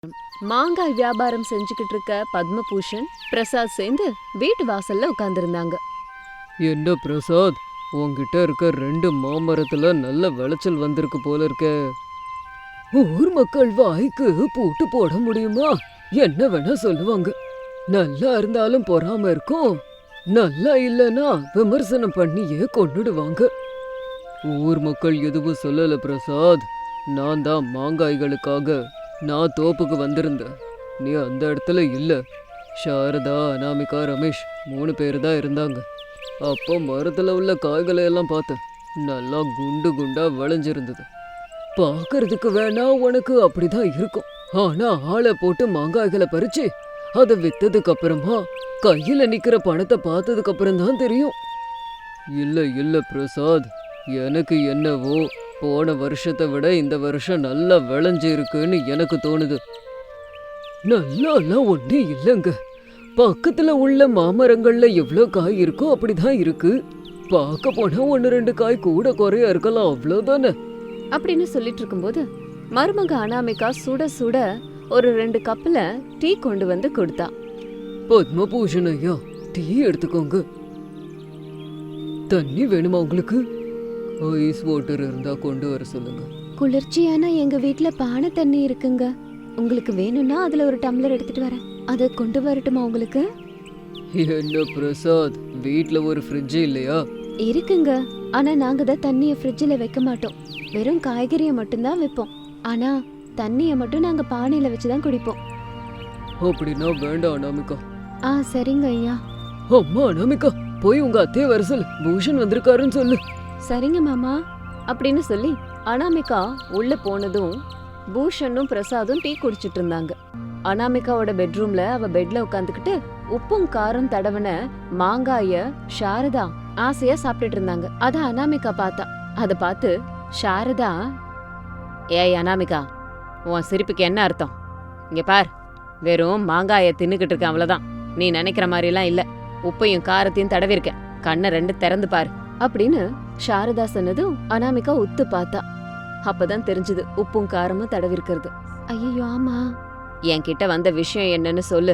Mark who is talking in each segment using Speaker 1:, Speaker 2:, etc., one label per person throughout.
Speaker 1: மாங்காய் வியாபாரம் செஞ்சுக்கிட்டு இருக்க பத்மபூஷன் பிரசாத் சேர்ந்து வீட்டு வாசல்ல உட்கார்ந்திருந்தாங்க.
Speaker 2: என்ன பிரசாத், உன்கிட்ட இருக்க 2 மாமரத்துல நல்ல விளைச்சல் வந்திருக்கு போல இருக்க. ஊர் மக்கள் வாய்க்கு பூட்டு போட முடியுமா? என்ன வேணா சொல்லுவாங்க. நல்லா இருந்தாலும் பொறாம இருக்கும், நல்லா இல்லைன்னா விமர்சனம் பண்ணியே கொன்னுடுவாங்க. ஊர் மக்கள் எதுவும் சொல்லல பிரசாத். நான் தான் மாங்காய்களுக்காக நான் தோப்புக்கு வந்திருந்தேன். நீ அந்த இடத்துல இல்ல. சாரதா, அனாமிகா, ரமேஷ் 3 பேர் தான் இருந்தாங்க. அப்போ மரத்துல உள்ள காய்களை எல்லாம் பார்த்தேன். நல்லா குண்டு குண்டா விளைஞ்சிருந்தது. பார்க்கறதுக்கு வேணா உனக்கு அப்படிதான் இருக்கும். ஆனா ஆளை போட்டு மாங்காய்களை பறிச்சு அதை வித்ததுக்கு அப்புறமா கையில நிக்கிற பணத்தை பார்த்ததுக்கு அப்புறம் தான் தெரியும். இல்ல பிரசாத், எனக்கு என்னவோ போன வருஷத்தை விட இந்த வருஷம் நல்லா விளைஞ்சு இருக்குன்னு எனக்கு தோணுது. நல்லாலாம் ஒண்ணு இல்லைங்க. பக்கத்துல உள்ள மாமரங்கள்ல எவ்வளோ காய் இருக்கோ அப்படிதான் இருக்கு. பார்க்க போனா 1-2 காய் கூட குறையா இருக்கலாம், அவ்வளோதானே
Speaker 1: அப்படின்னு சொல்லிட்டு இருக்கும்போது மருமக அனாமிகா சுட சுட ஒரு 2 கப்ல டீ கொண்டு வந்து கொடுத்தா.
Speaker 2: பத்மபூஷன் ஐயா, டீ எடுத்துக்கோங்க. தண்ணி வேணுமா உங்களுக்கு? ஐஸ் வாட்டர் இருந்தா கொண்டு வர சொல்லுங்க.
Speaker 1: குளிர்ச்சியான எங்க வீட்ல பானை தண்ணி இருக்குங்க. உங்களுக்கு வேணும்னா அதுல ஒரு டம்ளர் எடுத்துட்டு வரேன். அதை கொண்டு வரட்டுமா உங்களுக்கு?
Speaker 2: என்ன பிரசாத், வீட்ல ஒரு ஃப்ரிட்ஜ் இல்லையா?
Speaker 1: இருக்குங்க, ஆனா நாங்க தான் தண்ணிய ஃப்ரிட்ஜ்ல வைக்க மாட்டோம். வெறும் காய்கறியை மட்டும்தான் வைப்போம். ஆனா தண்ணிய மட்டும் நாங்க பானையில வச்சுதான் குடிப்போம்.
Speaker 2: அப்படின்னா வேண்டாம் அனாமிகா.
Speaker 1: சரிங்க ஐயா.
Speaker 2: அம்மா அனாமிகா, போய் உங்க அத்தைய வர சொல்லு, பூஷன் வந்திருக்காருன்னு சொல்லு.
Speaker 1: சரிங்க மாமா அப்படின்னு சொல்லி அனாமிகா உள்ள போனதும் பூஷனும் பிரசாதும் டீ குடிச்சிட்டு இருந்தாங்க. அனாமிகாவோட பெட்ரூம்ல அவ பெட்ல உட்காந்துக்கிட்டு உப்பும் காரம் தடவன மாங்காய சாரதா ஆசையா சாப்பிட்டுட்டு இருந்தாங்க. அத அனாமிகா பார்த்தா. அத பார்த்து சாரதா, ஏய் அனாமிகா, உன் சிரிப்புக்கு என்ன அர்த்தம்? இங்க பார், வெறும் மாங்காய தின்னுக்கிட்டு இருக்க, அவ்வளவுதான். நீ நினைக்கிற மாதிரி எல்லாம் இல்ல. உப்பையும் காரத்தையும் தடவி இருக்க, கண்ணை 2 திறந்து பாரு அப்படின்னு சாரதா சொன்னதும் அனாமிகா உத்து பார்த்தா. அப்பதான் தெரிஞ்சது உப்பும் காரமும் தடவி இருக்கிறது. ஐயோ ஆமா, என்கிட்ட வந்த விஷயம் என்னன்னு சொல்லு.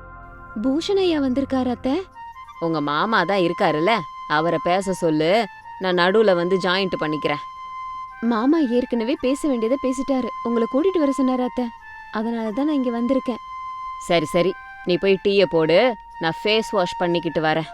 Speaker 1: பூஷணையா வந்திருக்காரு அத்தை. உங்க மாமா தான் இருக்காருல்ல, அவரை பேச சொல்லு. நான் நடுவுல வந்து ஜாயிண்ட் பண்ணிக்கிறேன். மாமா ஏற்கனவே பேச வேண்டியதை பேசிட்டாரு. உங்களை கூட்டிட்டு வர சொன்னாரு அத்தை, அதனாலதான் நான் இங்க வந்திருக்கேன். சரி சரி, நீ போய் டீயை போடு, நான் ஃபேஸ் வாஷ் பண்ணிக்கிட்டு வரேன்.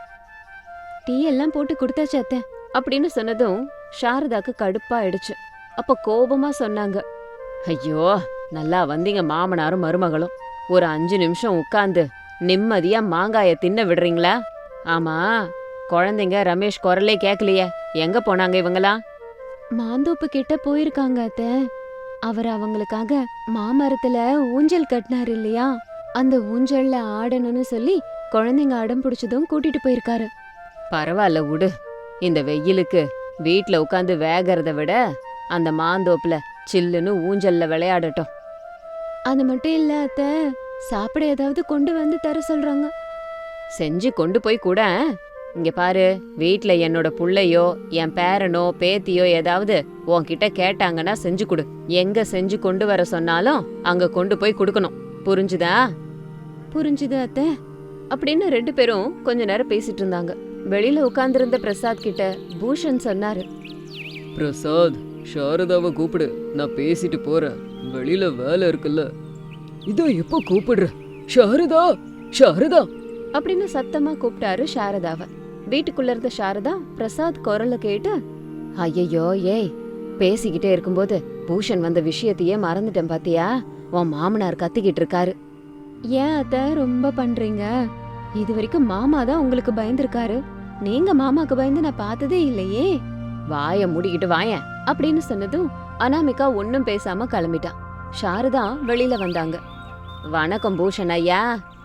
Speaker 1: டீ எல்லாம் போட்டு கொடுத்தாச்சு அத்தை அப்படின்னு சொன்னதும் சாரதாக்கு கடுப்பாயிடுச்சு. அப்ப கோபமா சொன்னாங்க, ஐயோ நல்லா வந்தீங்க மாமனாரும் மருமகளும். ஒரு 5 நிமிஷம் உட்கார்ந்து நிம்மதியா மாங்காய தின்ன விடுறீங்களா? ஆமா, குழந்தைங்க ரமேஷ் குரலே கேட்கலையே, எங்க போனாங்க இவங்களாம்? மாந்தோப்பு கிட்ட போயிருக்காங்க அத்தை. அவர் அவங்களுக்காக மாமரத்துல ஊஞ்சல் கட்டினாரு இல்லையா, அந்த ஊஞ்சல்ல ஆடணும்னு சொல்லி குழந்தைங்க அடம் பிடிச்சதும் கூட்டிட்டு போயிருக்காரு. பரவாயில்ல விடு, இந்த வெயிலுக்கு வீட்ல உட்காந்து வேகறத விட அந்த மாந்தோப்புல சில்லுன்னு ஊஞ்சல்ல விளையாடட்டும். அது மட்டும் இல்ல அத்தை, சாப்பிட ஏதாவது கொண்டு வந்து தர சொல்றாங்க. செஞ்சு கொண்டு போய் கூட. இங்க பாரு, வீட்ல என்னோட புள்ளையோ என் பேரனோ பேத்தியோ ஏதாவது உன்கிட்ட கேட்டாங்கன்னா செஞ்சு கொடு. எங்க செஞ்சு கொண்டு வர சொன்னாலும் அங்க கொண்டு போய் கொடுக்கணும், புரிஞ்சுதா? புரிஞ்சுது அத்தை அப்படின்னு 2 பேரும் கொஞ்ச நேரம் பேசிட்டு இருந்தாங்க. வெளியில உட்கார்ந்திருந்த பிரசாத் கிட்ட பூஷன் சொன்னாரு,
Speaker 2: பிரசாத், சாரதாவை கூப்பிடு, நான் பேசிட்டு போறேன். வெளியில வேலை இருக்குல்ல. இதோ எப்போ கூப்பிடுற. சாரதா, சாரதா
Speaker 1: அப்படின்னு சத்தமா கூப்பிட்டாரு சாரதாவை. வீட்டுக்குள்ள இருந்த சாரதா பிரசாத் குரல கேட்டு, ஐயோ ஏய், பேசிக்கிட்டே இருக்கும்போது பூஷன் வந்த விஷயத்தையே மறந்துட்டேன் பாத்தியா? உன் மாமனார் கத்திக்கிட்டு இருக்காரு. ஏன் அத்தை ரொம்ப பண்றீங்க? இது வரைக்கும் மாமா தான் உங்களுக்கு பயந்துருக்காரு. நீங்க மாமாக்கு பயந்து நான் பார்த்ததே இல்லையே. வாய மூடிக்கிட்டு வாயேன் அப்படின்னு சொன்னதும் அனாமிகா ஒன்னும் பேசாம கிளம்பிட்டான். சாரதா வெளியில வந்தாங்க. வணக்கம் பூஷன் ஐயா.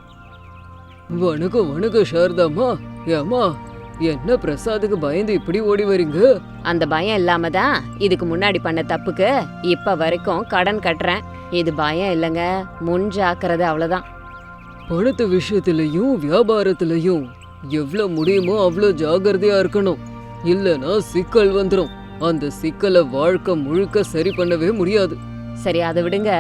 Speaker 2: வணக்கம் வணக்கம் சாரதாம்மா. ஏமா, என்ன பிரசாதுக்கு பயந்து இப்படி ஓடி வரீங்க?
Speaker 1: அந்த பயம் இல்லாம தான் இதுக்கு முன்னாடி பண்ண தப்புக்கு இப்ப வரைக்கும் கடன் கட்டுறேன். இது பயம் இல்லைங்க, முன் ஜாக்கிரதை, அவ்வளவுதான்.
Speaker 2: பணத்து விஷயத்திலையும் வியாபாரத்திலையும் எவ்வளவு முடியுமோ அவ்வளோ ஜாகிரதையா இருக்கணும். இல்லனா சிக்கல் வந்துடும். அந்த சிக்கலை வாழ்க்கை முழுக்க சரி பண்ணவே முடியாது.
Speaker 1: சரி, அதை விடுங்க.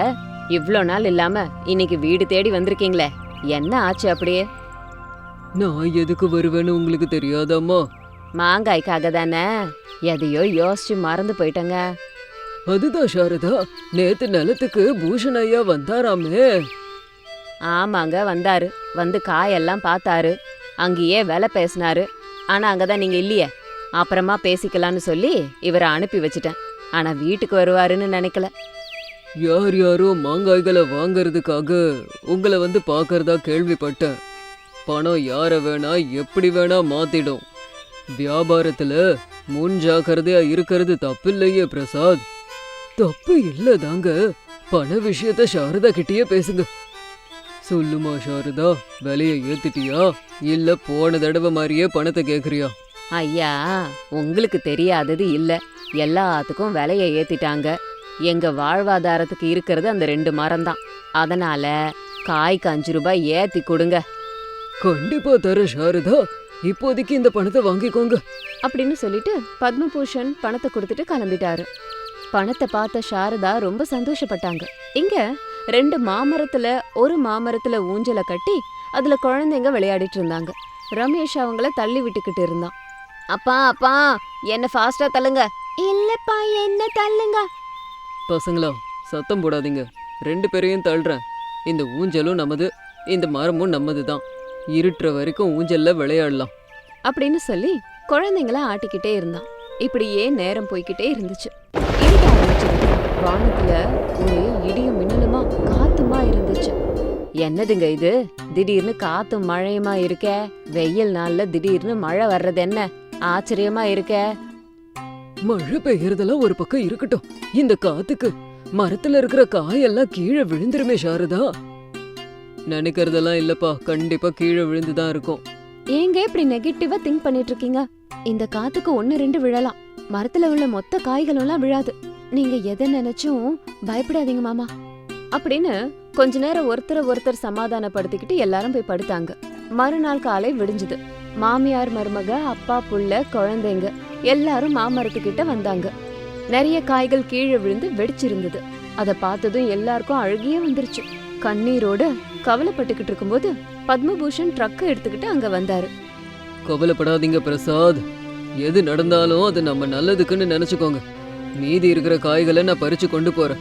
Speaker 1: இவ்ளோ நாள் இல்லாம இன்னைக்கு வீடு தேடி வந்திருக்கீங்களே, என்ன ஆச்சு அப்படியே?
Speaker 2: நான் எதுக்கு வருவேன்னு உங்களுக்கு தெரியாதாம்மா?
Speaker 1: மாங்காய்க்காக தானே? எதையோ யோசிச்சு மறந்து போயிட்டங்க.
Speaker 2: அதுதான் சாரதா, நேத்து நிலத்துக்கு பூஷன் ஐயா வந்தாராமே.
Speaker 1: ஆமாங்க, வந்தாரு. வந்து காயெல்லாம் பார்த்தாரு. அங்கேயே விலை பேசினாரு. ஆனா அங்கதான் நீங்க இல்லையே. அப்புறமா பேசிக்கலான்னு சொல்லி இவரை அனுப்பி வச்சிட்டேன். ஆனா வீட்டுக்கு வருவாருன்னு நினைக்கல.
Speaker 2: யார் யாரோ மாங்காய்களை வாங்கறதுக்காக உங்களை வந்து பார்க்கறதா கேள்விப்பட்டேன். பணம் யார வேணா எப்படி வேணா மாத்திடும். வியாபாரத்துல முன் ஜாக்கிரதையா இருக்கிறது தப்பில்லையே பிரசாத். தப்பு இல்லதாங்க. பண விஷயத்த சாரதா கிட்டயே பேசுங்க. சொல்லுமா சாரதா, விலையை ஏத்திட்டியா இல்ல போன தடவை மாதிரியே பணத்தை கேக்குறியா?
Speaker 1: ஐயா, உங்களுக்கு தெரியாதது இல்ல. எல்லாத்துக்கும் விலையை ஏத்திட்டாங்க. எங்க வாழ்வாதாரத்துக்கு இருக்கிறது அந்த 2 மரம் தான். அதனால காய்க்கு 5 ரூபாய் ஏத்தி கொடுங்க.
Speaker 2: கண்டிப்பா தர சாரதா, இப்போதைக்கு இந்த பணத்தை வாங்கிக்கோங்க
Speaker 1: அப்படின்னு சொல்லிட்டு பத்மபூஷன் பணத்தை கொடுத்துட்டு கிளம்பிட்டாரு. பணத்தை பார்த்த சாரதா ரொம்ப சந்தோஷப்பட்டாங்க. இங்க 2 மாமரத்துல ஒரு மாமரத்துல ஊஞ்சலை கட்டி அதுல குழந்தைங்க விளையாடிட்டு இருந்தாங்க. ரமேஷ் அவங்கள தள்ளி விட்டுக்கிட்டு இருந்தான். அப்பா அப்பா, என்ன ஃபாஸ்டா தள்ளுங்க. இல்லப்பா, என்ன தள்ளுங்க.
Speaker 2: பசங்களா, சத்தம் போடாதீங்க. 2 பேரையும் தள்ளுறேன். இந்த ஊஞ்சலும் நமது, இந்த மரமும் நமது தான். இருட்டுற வரைக்கும் ஊஞ்சல்ல விளையாடலாம்
Speaker 1: அப்படின்னு சொல்லி குழந்தைங்கள ஆட்டிக்கிட்டே இருந்தான். இப்படியே நேரம் போய்கிட்டே இருந்துச்சு. இருட்ட ஆரம்பிச்சது. வானத்துல ஒரு இடியும் மின்னலுமா காத்துமா இருந்துச்சு. என்னதுங்க இது? திடீர்னு காத்தும் மழையுமா இருக்க? வெயில் நாள்ல திடீர்னு மழை வர்றது என்ன ஆச்சரியமா இருக்க?
Speaker 2: மழை பெய்யறதெல்லாம் ஒரு பக்கம் இருக்கட்டும், இந்த காத்துக்கு மரத்துல இருக்கிற காயெல்லாம் கீழே விழுந்துருமே சாரதா. நினைக்கிறதெல்லாம் இல்லப்பா, கண்டிப்பா கீழே விழுந்துதான் இருக்கும்.
Speaker 1: ஏங்க இப்படி நெகட்டிவா திங்க் பண்ணிட்டு இருக்கீங்க? இந்த காத்துக்கு 1-2 விழலாம். மரத்துல உள்ள மொத்த காய்களும் எல்லாம் விழாது. நீங்க எதை நினைச்சும் பயப்படாதீங்க மாமா அப்படின்னு கொஞ்ச நேரம் ஒருத்தர் சமாதானப்படுத்திக்கிட்டு எல்லாரும் போய் படுத்தாங்க. மறுநாள் காலை விடிஞ்சுது. மாமியார், மருமக, அப்பா, புள்ள, குழந்தைங்க எல்லாரும் மாமரத்துக்கிட்ட வந்தாங்க. நிறைய காய்கள் கீழே விழுந்து வெடிச்சிருந்தது. அத பார்த்ததும் எல்லாருக்கும் அழுகியே வந்துருச்சு. கண்ணீரோட கவலைப்பட்டுக்கிட்டு இருக்கும்போது பத்மபூஷன் ட்ரக்கை எடுத்துக்கிட்டு அங்க வந்தாரு.
Speaker 2: கவலைப்படாதீங்க பிரசாத், எது நடந்தாலும் அது நம்ம நல்லதுக்குன்னு நினைச்சுக்கோங்க. மீதி இருக்கிற காய்களை நான் பறிச்சு கொண்டு போறேன்.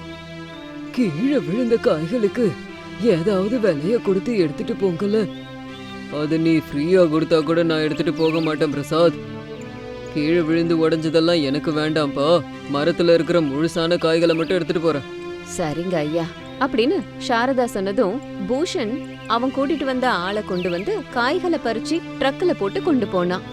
Speaker 2: கீழே விழுந்த காய்களுக்கு ஏதாவது விலைய கொடுத்து எடுத்துட்டு போங்கல. அது நீ ஃப்ரீயா கொடுத்தா கூட நான் எடுத்துட்டு போக மாட்டேன் பிரசாத். கீழே விழுந்து உடைஞ்சதெல்லாம் எனக்கு வேண்டாம்ப்பா. மரத்துல இருக்கிற முழுசான காய்களை மட்டும் எடுத்துட்டு போறேன்.
Speaker 1: சரிங்க ஐயா அப்படின்னு சாரதா சொன்னதும் பூஷன் அவன் கூட்டிட்டு வந்த ஆளை கொண்டு வந்து காய்களை பறிச்சு ட்ரக்ல போட்டு கொண்டு போனான்.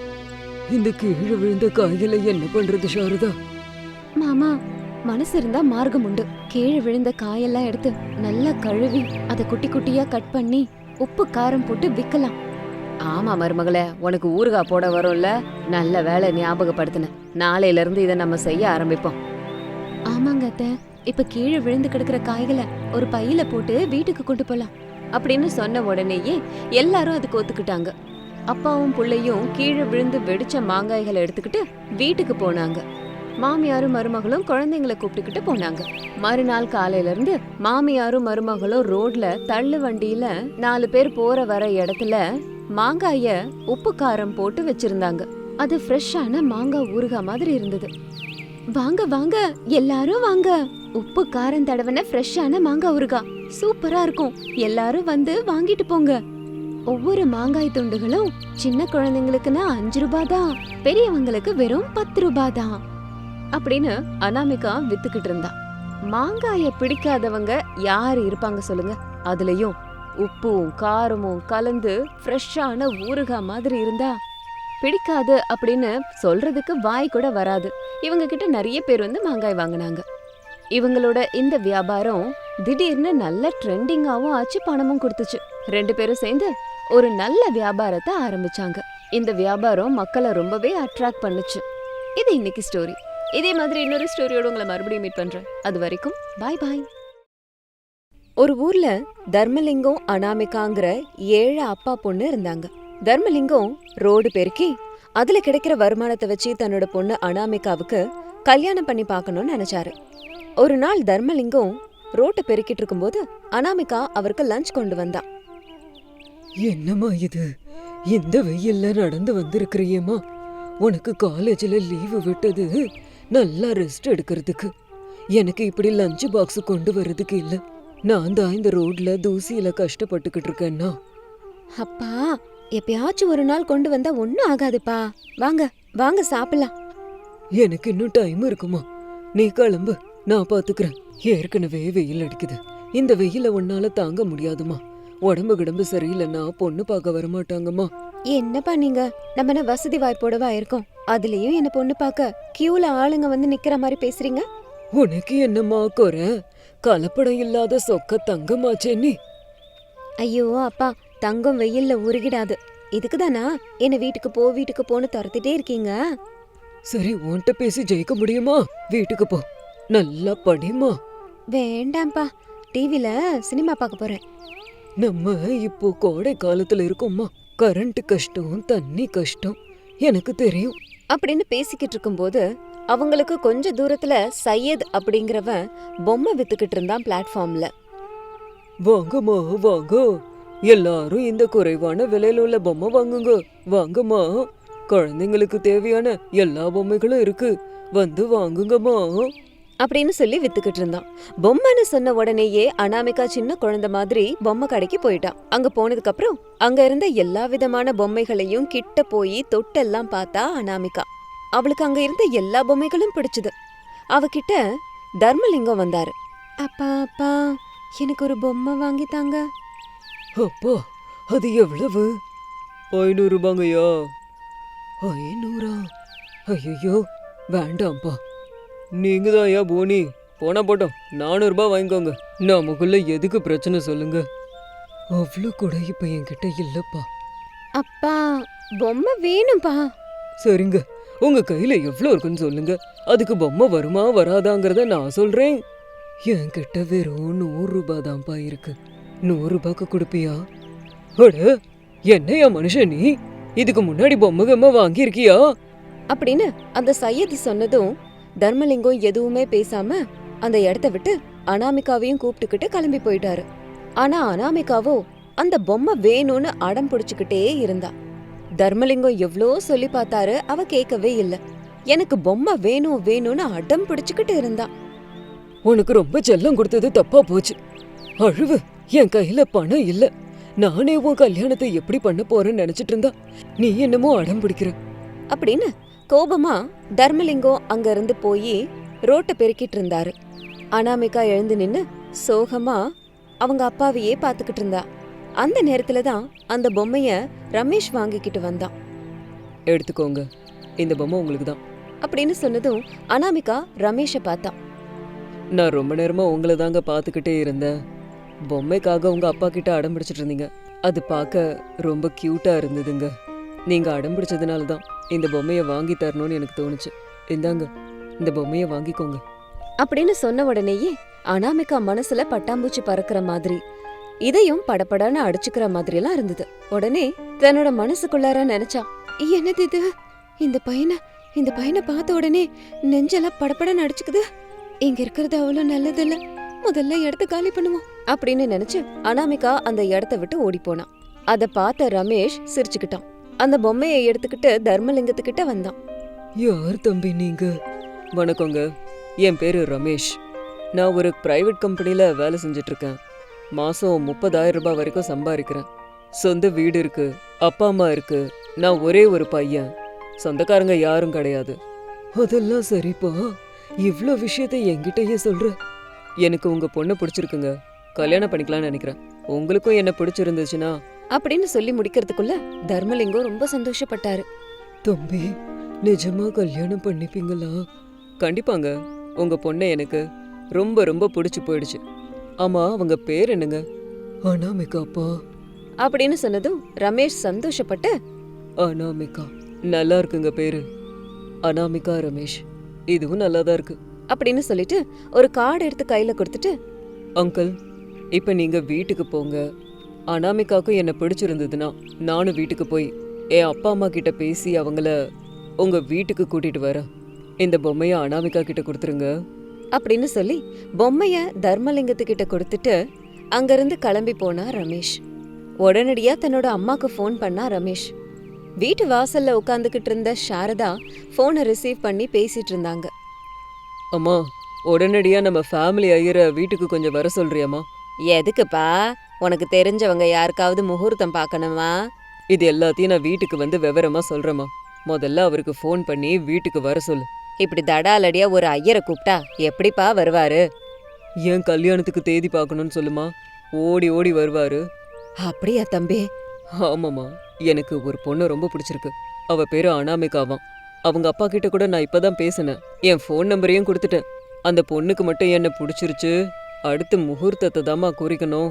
Speaker 2: இந்த கீழே விழுந்த காய்களை என்ன பண்றது சாரதா?
Speaker 1: மாமா, மனசு இருந்தா மார்க்கம் உண்டு. கீழே விழுந்த காயெல்லாம் எடுத்து நல்லா கழுவி அதை குட்டி குட்டியா கட் பண்ணி உப்பு காரம் போட்டு விக்கலாம். ஆமா மருமகளே, உனக்கு ஊறுகாய் போட வரும்ல, நல்ல வேலை ஞாபகப்படுத்தின. நாளையில இருந்து இதை நம்ம செய்ய ஆரம்பிப்போம். ஆமாங்க அத்தை, இப்ப கீழே விழுந்து கிடக்குற காய்களை ஒரு பையில போட்டு வீட்டுக்கு கொண்டு போலாம் அப்படின்னு சொன்ன உடனேயே எல்லாரும் அதுக்கு ஒத்துக்கிட்டாங்க. அப்பாவும் புள்ளையும் கீழே விழுந்து வெடிச்ச மாங்காய்களை எடுத்துக்கிட்டு வீட்டுக்கு போனாங்க. மாமியாரும் மருமகளும் குழந்தைங்களை கூப்பிட்டுக்கிட்டு போனாங்க. மறுநாள் காலையில இருந்து மாமியாரும் மருமகளும் ரோட்ல தள்ளு வண்டியில 4 பேர் போற வர இடத்துல மாங்காய உப்பு காரம் போட்டு வச்சிருந்தாங்க. அது ஃப்ரெஷ்ஷான மாங்காய் ஊறுகாய் மாதிரி இருந்தது. வாங்க வாங்க எல்லாரும் வாங்க, உப்பு காரம் தடவன ஃப்ரெஷ்ஷான மாங்காய் ஊறுகாய் சூப்பரா இருக்கும். எல்லாரும் வந்து வாங்கிட்டு போங்க. ஒவ்வொரு மாங்காய் துண்டுகளும் சின்ன குழந்தைங்களுக்குன்னா 5 ரூபாய் தான், பெரியவங்களுக்கு வெறும் 10 ரூபாய் தான் அப்படின்னு அனாமிகா வித்துக்கிட்டு இருந்தா. மாங்காய பிடிக்காதவங்க யாரு இருப்பாங்க சொல்லுங்க? அதுலயும் உப்பும் காரமும் கலந்து ஃப்ரெஷ்ஷான ஊறுகாய் மாதிரி இருந்தா பிடிக்காது அப்படின்னு சொல்றதுக்கு வாய் கூட வராது. இவங்க கிட்ட நிறைய பேர் வந்து மாங்காய் வாங்கினாங்க. இவங்களோட இந்த வியாபாரம் திடீர்னு நல்ல ட்ரெண்டிங்காவும் ஆச்சு, பணமும் கொடுத்துச்சு. 2 பேரும் சேர்ந்து ஒரு நல்ல வியாபாரத்தை ஆரம்பிச்சாங்க. இந்த வியாபாரம் மக்களை ரொம்பவே அட்ராக்ட் பண்ணுச்சு. இது இன்னைக்கு ஸ்டோரி. இதே மாதிரி இன்னொரு ஸ்டோரியோட உங்களை மறுபடியும் மீட் பண்றேன். அது வரைக்கும் பாய் பாய். ஒரு ஊர்ல தர்மலிங்கம், அனாமிகாங்கிற 7 அப்பா பொண்ணு இருந்தாங்க. தர்மலிங்கம் ரோடு பெருக்கி அதுல கிடைக்கிற வருமானத்தை வச்சு தன்னோட பொண்ணு அனாமிகாவுக்கு கல்யாணம் பண்ணி பார்க்கணும்னு நினைச்சாரு. ஒரு நாள் தர்மலிங்கம் ரோட்டை பெருக்கிட்டு இருக்கும்போது அனாமிகா அவருக்கு லஞ்ச் கொண்டு வந்தா.
Speaker 2: என்னம்மா இது, இந்த வெயில்ல நடந்து வந்திருக்கிறியேம்மா? உனக்கு காலேஜ்ல லீவு விட்டது நல்லா ரெஸ்ட் எடுக்கிறதுக்கு. எனக்கு இப்படி லஞ்ச் பாக்ஸ் கொண்டு வர்றதுக்கு இல்ல. நான் தான் இந்த ரோட்ல தூசியில கஷ்டப்பட்டுக்கிட்டு இருக்கேன்னா.
Speaker 1: அப்பா, எப்பயாச்சும் ஒரு நாள் கொண்டு வந்தா ஒன்னும் ஆகாதுப்பா. வாங்க வாங்க சாப்பிடலாம்.
Speaker 2: எனக்கு இன்னும் டைம் இருக்குமா? நீ கிளம்பு, நான் பாத்துக்கிறேன். ஏற்கனவே வெயில் அடிக்குது. இந்த வெயில உன்னால தாங்க முடியாதுமா. உடம்பு கிடம்பு சரியில்லைன்னா பொண்ணு பார்க்க வரமாட்டாங்கம்மா.
Speaker 1: என்னப்பா நீங்க, நம்ம என்ன வசதி வாய்ப்போடவா இருக்கோம்? அதுலயும் என்ன பொண்ணு பார்க்க கியூல ஆளுங்க வந்து நிக்கிற மாதிரி பேசுறீங்க.
Speaker 2: உனக்கு என்னம்மா குறை? கலப்படம் இல்லாத சொக்க தங்கமாச்சே நீ.
Speaker 1: ஐயோ அப்பா, தங்கம் வெயில்ல உருகிடாது. இதுக்குதானா என்ன வீட்டுக்கு போன்னு துரத்திட்டே இருக்கீங்க?
Speaker 2: சரி, உன்கிட்ட பேசி ஜெயிக்க முடியுமா? வீட்டுக்கு போ, நல்லா படிமா.
Speaker 1: வேண்டாம்ப்பா, டிவில சினிமா பார்க்க போறேன்.
Speaker 2: நம்ம இப்போ கோடை காலத்துல இருக்கோம்மா. கரண்ட் கஷ்டம், தண்ணி கஷ்டம், எனக்கு தெரியும்
Speaker 1: அப்படின்னு பேசிக்கிட்டு இருக்கும்போது அவங்களுக்கு கொஞ்ச தூரத்துல சையத் அப்படிங்கிறவன் பொம்மை வித்துக்கிட்டு இருந்தான் பிளாட்ஃபார்ம்ல.
Speaker 2: வாங்கம்மா வாங்க, எல்லாரும் இந்த குறைவான விலையில உள்ள பொம்மை வாங்குங்க. வாங்கம்மா, குழந்தைங்களுக்கு தேவையான எல்லா பொம்மைகளும் இருக்கு, வந்து வாங்குங்கம்மா
Speaker 1: அப்படின்னு சொல்லி வித்துக்கிட்டு இருந்தான். பொம்மைன்னு சொன்ன உடனேயே அனாமிகா சின்ன குழந்தை மாதிரி பொம்மை கடைக்கு போயிட்டான். அங்க போனதுக்கு அப்புறம் அங்க இருந்த எல்லா விதமான பொம்மைகளையும் கிட்ட போய் தொட்டெல்லாம் பார்த்தா அனாமிகா. அவளுக்கு அங்க இருந்த எல்லா பொம்மைகளும் பிடிச்சது. அவகிட்ட தர்மலிங்கம் வந்தாரு. அப்பா அப்பா, எனக்கு ஒரு பொம்மை வாங்கி தாங்க.
Speaker 2: அப்பா, அது எவ்வளவு? 500 ரூபாங்கய்யா. 500? ஐயோ, வேண்டாம்ப்பா. நீங்க தான் ஐயா போனி, போனா போட்டோம், 400 ரூபாய் வாங்கிக்கோங்க. நமக்குள்ள எதுக்கு பிரச்சனை சொல்லுங்க. அவ்வளோ கூட இப்ப என்கிட்ட இல்லப்பா.
Speaker 1: அப்பா, பொம்மை வேணும்பா.
Speaker 2: சரிங்க, உங்க கையில எவ்வளோ இருக்குன்னு சொல்லுங்க, அதுக்கு பொம்மை வருமா வராதாங்கிறத நான் சொல்றேன். என்கிட்ட வெறும் 100 ரூபாய் தான்ப்பா இருக்கு. 100 ரூபாய்க்கு கொடுப்பியா? அட, என்னையா மனுஷன் நீ? இதுக்கு முன்னாடி பொம்மை வாங்கியிருக்கியா?
Speaker 1: அப்படின்னு அந்த சையது சொன்னதும் தர்மலிங்கம் எதுவுமே பேசாம அந்த இடத்த விட்டு அனாமிகாவையும் கூப்பிட்டுக்கிட்டு கிளம்பி போயிட்டாரு. ஆனா அனாமிகாவோ அந்த பொம்மை வேணும்னு அடம் பிடிச்சுக்கிட்டே இருந்தா. தர்மலிங்கம் எவ்வளோ சொல்லி பார்த்தாரு, அவ கேட்கவே இல்ல. எனக்கு பொம்மை வேணும் வேணும்னு அடம் பிடிச்சுக்கிட்டு இருந்தா.
Speaker 2: உனக்கு ரொம்ப செல்லம் கொடுத்தது தப்பா போச்சு. அழுவு, என் கையில பணம் இல்ல. நானே உன் கல்யாணத்தை எப்படி பண்ண போறேன்னு நினைச்சிட்டு இருந்தா நீ என்னமோ அடம் பிடிக்கிற
Speaker 1: அப்படின்னு கோபமா தர்மலிங்கம் அங்க இருந்து போய் ரோட்டை பெருக்கிட்டு இருந்தாரு. அனாமிகா எழுந்து நின்னு சோகமா அவங்க அப்பாவையே பாத்துக்கிட்டு இருந்தா. அந்த நேரத்துலதான் அந்த பொம்மைய ரமேஷ் வாங்கிக்கிட்டு வந்தான்.
Speaker 2: எடுத்துக்கோங்க, இந்த பொம்மை உங்களுக்கு தான்
Speaker 1: அப்படின்னு சொன்னதும் அனாமிகா ரமேஷ பார்த்தா.
Speaker 2: நான் ரொம்ப நேரமா உங்களை தாங்க பாத்துக்கிட்டே இருந்தேன். பொம்மைக்காக உங்க அப்பா கிட்ட அடம் பிடிச்சிட்டு இருந்தீங்க. அது பார்க்க ரொம்ப கியூட்டா இருந்ததுங்க. நீங்க அடம் பிடிச்சதுனால தான் இந்த பொம்மையை வாங்கி தரணும்னு எனக்கு தோணுச்சு. இந்தாங்க, இந்த பொம்மையை வாங்கிக்கோங்க
Speaker 1: அப்படின்னு சொன்ன உடனேயே அனாமிகா மனசுல பட்டாம்பூச்சி பறக்கிற மாதிரி, இதையும் படபடன்னு அடிச்சுக்கிற மாதிரி எல்லாம் இருந்தது. உடனே தன்னோட மனசுக்குள்ளார நினைச்சா, என்னது இது? இந்த பையனை பார்த்த உடனே நெஞ்செல்லாம் படபடன்னு அடிச்சுக்குது. இங்க இருக்கிறது அவ்வளவு நல்லது இல்ல, முதல்ல இடத்த காலி பண்ணுவோம் அப்படின்னு நினைச்சு அனாமிகா அந்த இடத்த விட்டு ஓடி போனான். அத பார்த்த ரமேஷ் சிரிச்சுக்கிட்டான். அந்த பொம்மையை எடுத்துக்கிட்டு தர்மலிங்கத்துக்கிட்ட வந்தான்.
Speaker 2: யார் தம்பி நீங்க? வணக்கங்க, என் பேரு ரமேஷ். நான் ஒரு பிரைவேட் கம்பெனில வேலை செஞ்சுட்டு இருக்கேன். மாசம் 30,000 ரூபாய் வரைக்கும் சம்பாதிக்கிறேன். சொந்த வீடு இருக்கு, அப்பா அம்மா இருக்கு. நான் ஒரே ஒரு பையன், சொந்தக்காரங்க யாரும் கிடையாது. அதெல்லாம் சரிப்பா, இவ்ளோ விஷயத்தை என்கிட்டயே சொல்ற. எனக்கு உங்க பொண்ணை பிடிச்சிருக்குங்க, கல்யாணம் பண்ணிக்கலாம்னு நினைக்கிறேன். உங்களுக்கும் என்ன பிடிச்சிருந்துச்சுன்னா
Speaker 1: அப்படின்னு சொல்லி முடிக்கிறதுக்குள்ள தர்மலிங்கம் ரொம்ப சந்தோஷப்பட்டாரு.
Speaker 2: தம்பி, நிஜமா கல்யாணம் பண்ணிப்பீங்களா? கண்டிப்பாங்க, உங்க பொண்ணை எனக்கு ரொம்ப ரொம்ப பிடிச்சு போயிடுச்சு. ஆமா, அவங்க பேர் என்னங்க? அனாமிகாப்பா
Speaker 1: அப்படின்னு சொன்னதும் ரமேஷ் சந்தோஷப்பட்டு,
Speaker 2: அனாமிகா நல்லா இருக்குங்க பேரு. அனாமிகா ரமேஷ், இதுவும் நல்லாதான் இருக்கு
Speaker 1: அப்படின்னு சொல்லிட்டு ஒரு கார்டு எடுத்து கையில கொடுத்துட்டு,
Speaker 2: அங்கிள், இப்ப நீங்க வீட்டுக்கு போங்க. அனாமிகாக்கும் என்ன பிடிச்சிருந்ததுன்னா நானும் வீட்டுக்கு போய் என் அப்பா அம்மா கிட்ட பேசி அவங்கள உங்க வீட்டுக்கு கூட்டிட்டு வரேன். இந்த பொம்மைய அனாமிகா கிட்ட கொடுத்துருங்க.
Speaker 1: அப்படின்னு சொல்லி பொம்மைய தர்மலிங்கத்துக்கிட்ட கொடுத்துட்டு அங்கிருந்து கிளம்பி போனா ரமேஷ். உடனடியா தன்னோட அம்மாக்கு ஃபோன் பண்ணா ரமேஷ். வீட்டு வாசல்ல உட்காந்துக்கிட்டு இருந்த சாரதா போனை ரிசீவ் பண்ணி பேசிட்டு இருந்தாங்க.
Speaker 2: அம்மா, உடனடியா நம்ம ஃபேமிலி ஐயரை வீட்டுக்கு கொஞ்சம் வர சொல்றியாம்மா?
Speaker 1: எதுக்குப்பா? உனக்கு தெரிஞ்சவங்க யாருக்காவது முகூர்த்தம் பார்க்கணுமா?
Speaker 2: இது எல்லாத்தையும் நான் வீட்டுக்கு வந்து விவரமா சொல்றேம்மா. முதல்ல அவருக்கு ஃபோன் பண்ணி வீட்டுக்கு வர சொல்லு.
Speaker 1: இப்படி தடாலடியா ஒரு ஐயரை கூப்பிட்டா எப்படிப்பா வருவாரு?
Speaker 2: ஏன் கல்யாணத்துக்கு தேதி பார்க்கணும்னு சொல்லுமா, ஓடி ஓடி வருவாரு.
Speaker 1: அப்படியா தம்பி?
Speaker 2: ஆமாம்மா, எனக்கு ஒரு பொண்ணு ரொம்ப பிடிச்சிருக்கு. அவ பேரு அனாமிகாவாம். அவங்க அப்பா கிட்ட கூட நான் இப்பதான் பேசினேன். என் ஃபோன் நம்பரையும் கொடுத்துட்டேன். அந்த பொண்ணுக்கு மட்டும் என்ன பிடிச்சிருச்சு. அடுத்து முகூர்த்தத்தை தாம்மா குறிக்கணும்.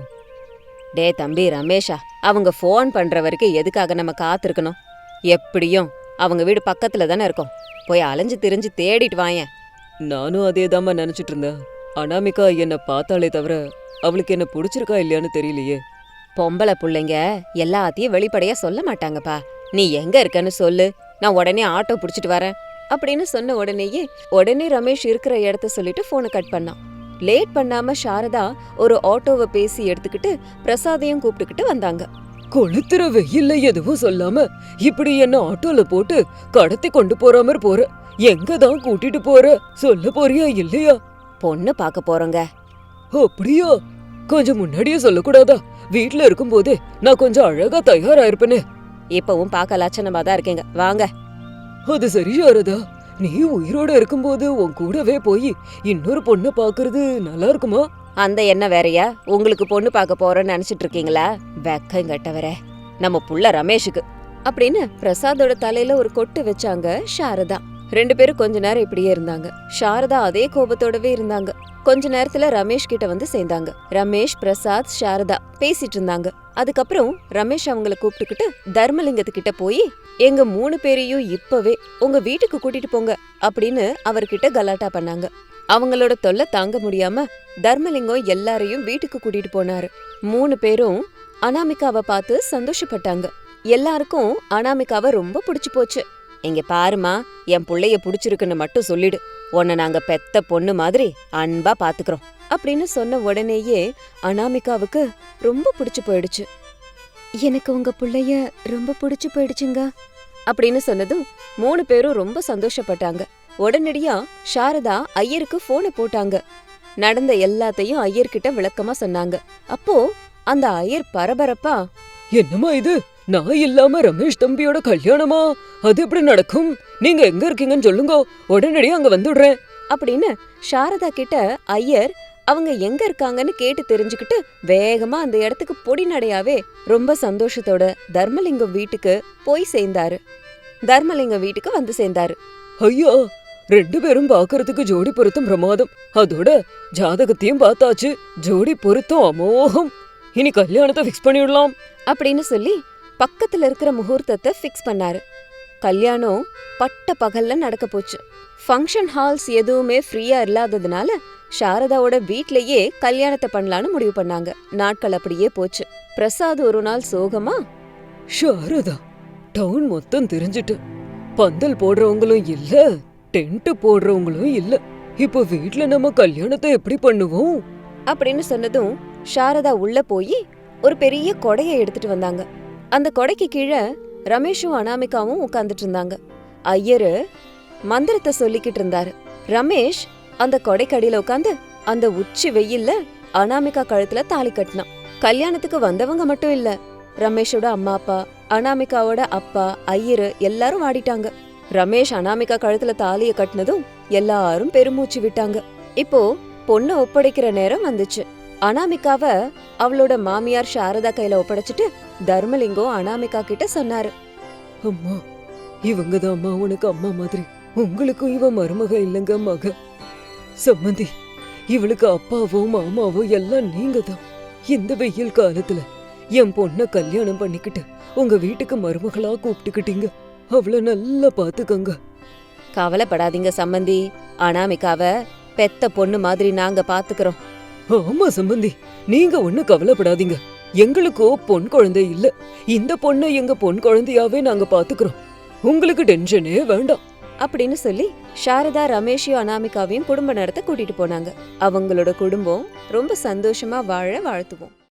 Speaker 1: டே தம்பி ரமேஷா, அவங்க ஃபோன் பண்ற வரைக்கும் எதுக்காக நம்ம காத்திருக்கணும்? எப்படியும் அவங்க வீடு பக்கத்துல தானே இருக்கும். போய் அலைஞ்சு திரிஞ்சு தேடிட்டு வாயேன்.
Speaker 2: நானும் அதே தாம்மா நினைச்சிட்டு இருந்தேன். அனாமிகா என்னை பார்த்தாலே தவிர அவளுக்கு என்ன பிடிச்சிருக்கா இல்லையான்னு தெரியலையே.
Speaker 1: பொம்பளை புள்ளைங்க எல்லாத்தையும் வெளிப்படையா சொல்ல மாட்டாங்கப்பா. நீ எங்க இருக்கன்னு சொல்லு, நான் உடனே ஆட்டோ புடிச்சிட்டு வரேன் அப்படின்னு சொன்ன உடனே ரமேஷ் இருக்கிற இடத்த சொல்லிட்டு போனை கட் பண்ணான். லேட் பண்ணாம சாரதா ஒரு ஆட்டோவை பேசி எடுத்துக்கிட்டு பிரசாதையும் கூப்பிட்டுக்கிட்டு வந்தாங்க.
Speaker 2: கொளுத்துற வெயில்ல எதுவும் சொல்லாம இப்படி என்ன ஆட்டோல போட்டு கடத்தி கொண்டு போற மாதிரி போற. எங்கதான் கூட்டிட்டு போற? சொல்ல போறியா இல்லையா?
Speaker 1: பொண்ணு பார்க்க போறோங்க.
Speaker 2: அப்படியா? கொஞ்சம் முன்னாடியே சொல்லக்கூடாதா? வீட்டுல இருக்கும் போதே நான் கொஞ்சம் அழகா தயாராயிருப்பேனே.
Speaker 1: இப்பவும் பார்க்க லட்சணமா தான் இருக்கீங்க, வாங்க.
Speaker 2: அது சரி சாரதா, நீ உயிரோட இருக்கும்போது உன் கூடவே போய் இன்னொரு பொண்ணை பாக்குறது நல்லா இருக்குமா?
Speaker 1: அந்த என்ன வேறையா? உங்களுக்கு பொண்ணு பார்க்க போறோன்னு நினைச்சிட்டு இருக்கீங்களா? வெக்கம் கட்டவர நம்ம புள்ள ரமேஷுக்கு அப்படின்னு பிரசாதோட தலையில ஒரு கொட்டு வச்சாங்க சாரதா. ரெண்டு பேரும் கொஞ்ச நேரம் இப்படியே இருந்தாங்க. சாரதா அதே கோபத்தோடவே இருந்தாங்க. கொஞ்ச நேரத்துல ரமேஷ் கிட்ட வந்து சேர்ந்தாங்க. ரமேஷ், பிரசாத், சாரதா பேசிட்டு இருந்தாங்க. அதுக்கப்புறம் ரமேஷ் அவங்கள கூப்பிட்டுக்கிட்டு தர்மலிங்கத்துக்கிட்ட போய் எங்க 3 பேரையும் இப்பவே உங்க வீட்டுக்கு கூட்டிட்டு போங்க அப்படின்னு அவர்கிட்ட கலாட்டா பண்ணாங்க. அவங்களோட தொல்லை தாங்க முடியாம தர்மலிங்கம் எல்லாரையும் வீட்டுக்கு கூட்டிட்டு போனாரு. 3 பேரும் அனாமிகாவை பார்த்து சந்தோஷப்பட்டாங்க. எல்லாருக்கும் அனாமிகாவை ரொம்ப பிடிச்சு போச்சு. இங்க பாருமா, என் புள்ளைய பிடிச்சிருக்குன்னு மட்டும் சொல்லிடு, உன்னை நாங்க பெத்த பொண்ணு மாதிரி அன்பா பாத்துக்கிறோம் அப்படின்னு சொன்ன உடனேயே அனாமிகாவுக்கு ரொம்ப பிடிச்சு போயிடுச்சு. எனக்கு உங்க புள்ளைய ரொம்ப பிடிச்சு போயிடுச்சுங்க அப்படின்னு சொன்னதும் 3 பேரும் ரொம்ப சந்தோஷப்பட்டாங்க. உடனடியா சாரதா ஐயருக்கு போனை போட்டாங்க. நடந்த எல்லாத்தையும் ஐயர்கிட்ட விளக்கமா சொன்னாங்க. அப்போ அந்த ஐயர் பரபரப்பா,
Speaker 2: என்னம்மா இது? நான் இல்லாம ரமேஷ் தம்பியோட கல்யாணமா? அது எப்படி நடக்கும்? நீங்க எங்க இருக்கீங்கன்னு சொல்லுங்க, உடனடியா அங்க வந்துடுறேன்
Speaker 1: அப்படின்னு சாரதா கிட்ட ஐயர் அவங்க எங்க இருக்காங்கன்னு கேட்டு தெரிஞ்சுக்கிட்டு வேகமா அந்த இடத்துக்கு பொடி நடையாவே ரொம்ப சந்தோஷத்தோட தர்மலிங்கம் வீட்டுக்கு போய் சேர்ந்தாரு. தர்மலிங்கம் வீட்டுக்கு வந்து சேர்ந்தாரு.
Speaker 2: ஐயா, 2 பேரும் பாக்குறதுக்கு ஜோடி பொருத்தம் பிரமாதம். அதோட ஜாதகத்தையும் பார்த்தாச்சு. ஜோடி பொருத்தம் அமோகம். இனி கல்யாணத்தை ஃபிக்ஸ் பண்ணிடலாம்
Speaker 1: அப்படின்னு சொல்லி பக்கத்துல இருக்கிற முகூர்த்தத்தை ஃபிக்ஸ் பண்ணாரு. கல்யாணம் பட்ட பகல்ல நடக்க போச்சு. ஃபங்க்ஷன் ஹால்ஸ் எதுவுமே ஃப்ரீயா இல்லாததுனால சாரதாவோட வீட்லயே கல்யாணத்தை பண்ணலான்னு முடிவு பண்ணாங்க. நாட்கள் அப்படியே போச்சு. பிரசாத் ஒரு நாள் சோகமா,
Speaker 2: சாரதா, டவுன் மொத்தம் தெரிஞ்சிட்டு பந்தல் போடுறவங்களும் இல்ல, டென்ட் போடுறவங்களும் இல்ல. இப்போ வீட்ல நம்ம கல்யாணத்தை எப்படி பண்ணுவோம்
Speaker 1: அப்படின்னு சொன்னதும் சாரதா உள்ள போய் ஒரு பெரிய கொடையை எடுத்துட்டு வந்தாங்க. அந்த கொடைக்கு கீழே ரமேஷும் அனாமிகாவும் உட்கார்ந்துட்டு இருந்தாங்க. ஐயரு மந்திரத்தை சொல்லிக்கிட்டு இருந்தாரு. ரமேஷ் அந்த கொடைக்கடியில உட்காந்து அந்த உச்சி வெயில்ல அனாமிகா கழுத்துல தாலி கட்டினான். கல்யாணத்துக்கு வந்தவங்க மட்டும் இல்ல, ரமேஷோட அம்மா அப்பா, அனாமிகாவோட அப்பா, ஐயரு எல்லாரும் வாடிட்டாங்க. ரமேஷ் அனாமிகா கழுத்துல தாலிய கட்டினதும் எல்லாரும் பெருமூச்சு விட்டாங்க. இப்போ பொண்ணு ஒப்படைக்கிற நேரம் வந்துச்சு. அனாமிகாவ அவளோட மாமியார் சாரதா கையில ஒப்படைச்சிட்டு தர்மலிங்கம் அனாமிகா கிட்ட சொன்னாரு.
Speaker 2: அம்மா, இவங்கதான் அம்மா உனக்கு அம்மா மாதிரி. உங்களுக்கும் இவ மருமக இல்லங்க மக. சம்மந்தி, இவளுக்கு அப்பாவோ மாமாவோ எல்லாம் நீங்க தான். இந்த வெயில் காலத்துல என் பொண்ண கல்யாணம் பண்ணிக்கிட்டு உங்க வீட்டுக்கு மருமகளா கூப்பிட்டுக்கிட்டீங்க. அவளை நல்லா பாத்துக்கங்க.
Speaker 1: கவலைப்படாதீங்க சம்மந்தி, அனாமிகாவ பெத்த பொண்ணு மாதிரி நாங்க பாத்துக்கிறோம்.
Speaker 2: ஆமா சம்பந்தி, நீங்க ஒண்ணு கவலைப்படாதீங்க. எங்களுக்கோ பொன் குழந்தை இல்ல. இந்த பொண்ணை எங்க பொன் குழந்தையாவே நாங்க பாத்துக்கிறோம். உங்களுக்கு டென்ஷனே வேண்டாம்.
Speaker 1: அப்படின்னு சொல்லி சாரதா ரமேஷையும் அனாமிகாவையும் குடும்ப நடத்த கூட்டிட்டு போனாங்க. அவங்களோட குடும்பம் ரொம்ப சந்தோஷமா வாழ வாழ்த்துவோம்.